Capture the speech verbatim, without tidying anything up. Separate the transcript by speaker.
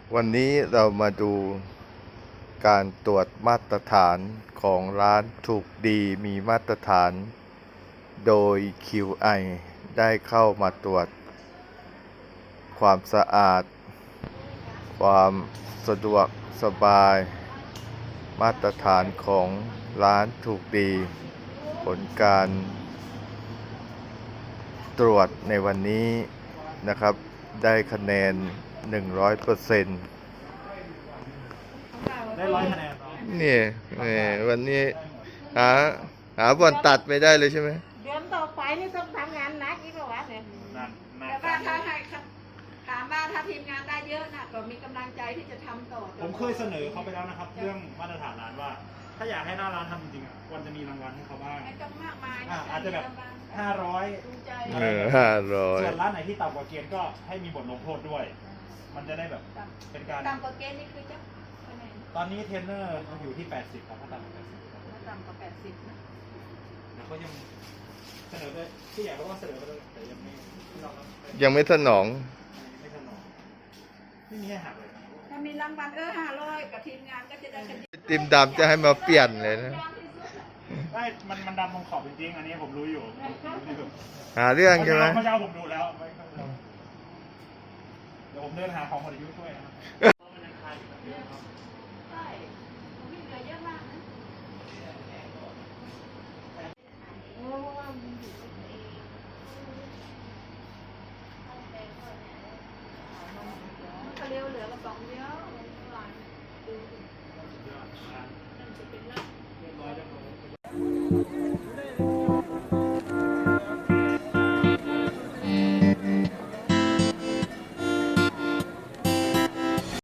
Speaker 1: วันนี้เรามาดูการตรวจมาตรฐานของร้านถูกดีมีมาตรฐาน โดย คิว ไอ ได้เข้ามาตรวจความสะอาด ความสะดวกสบาย มาตรฐานของร้านถูกดี ผลการตรวจในวันนี้นะครับได้คะแนน หนึ่งร้อยเปอร์เซ็นต์
Speaker 2: ได้ร้อยคะแนน
Speaker 1: นี่แหมวันนี้หาหาบอลตัดไม่ได้เลยใช่ไหม
Speaker 3: เดือนต่อไปนี่ต้องทำงานหนักอีกแล้ววะเนี่ย
Speaker 2: นั่นนั่น
Speaker 4: แต่ว่าถ้าให้ถามว่าถ้าทีมงานได้เยอะนะก็มีกำลังใจที่จะทำต่อ
Speaker 2: ผมเคยเสนอเขาไปแล้วนะครับ เรื่องมาตรฐานร้านว่า ถ้าอยากให้หน้าร้านทำจริงๆอ่ะควรจะมีรางวัลให้เขาบ้าง
Speaker 4: ไม่ต้องมากมาย
Speaker 2: อ่ะ
Speaker 4: นะ
Speaker 2: อาจจะแบบห้าร้อย
Speaker 4: ดูใจ
Speaker 1: เออห้าร้อย
Speaker 2: ส่วนร้านไหนที่ต่ำกว่าเกณฑ์ก็ให้มีบทลงโทษด้วย มันจะได้แบบเป็นการ
Speaker 4: ต่ำกว่าเกณฑ์นี่คือจะคะแนน
Speaker 2: ตอนนี้เทรนเนอร์อยู่ที่แปดสิบครับถ้าต่ำกว่าแปดสิบครับ
Speaker 4: ถ้าต่ำกว่าแปดสิบนะ
Speaker 2: แล้วก็ยังเสนอไปที่อยากเขาก็เสนอไปเลยแต่ยังไม่ไม่ต้อง
Speaker 1: ยังไม่สนอง
Speaker 2: ไม่ถนอมไม่มีให้หักเลย
Speaker 4: ถ้ามีรางวัลเออห้าร้อยกับทีมงานก็จะได้คะแนน
Speaker 1: ติมดำจะให้มาเปลี่ยนเลยนะ
Speaker 2: ได้มันมันดำตรงขอบจริงๆอันนี้ผมรู้อยู่รู้อยู่
Speaker 1: หาเรื่องใช่ไหม
Speaker 2: เมื่อเช้าผมดูแล้วไม่ต้องรอเดี๋ยวผมเดินหาของคนอายุช่วยนะครับ
Speaker 4: ใช่มีเหลือเยอะมากนะ ก็เร็วเหลือกระป๋องเดียวหลานดูนั่นจะเป็นลัก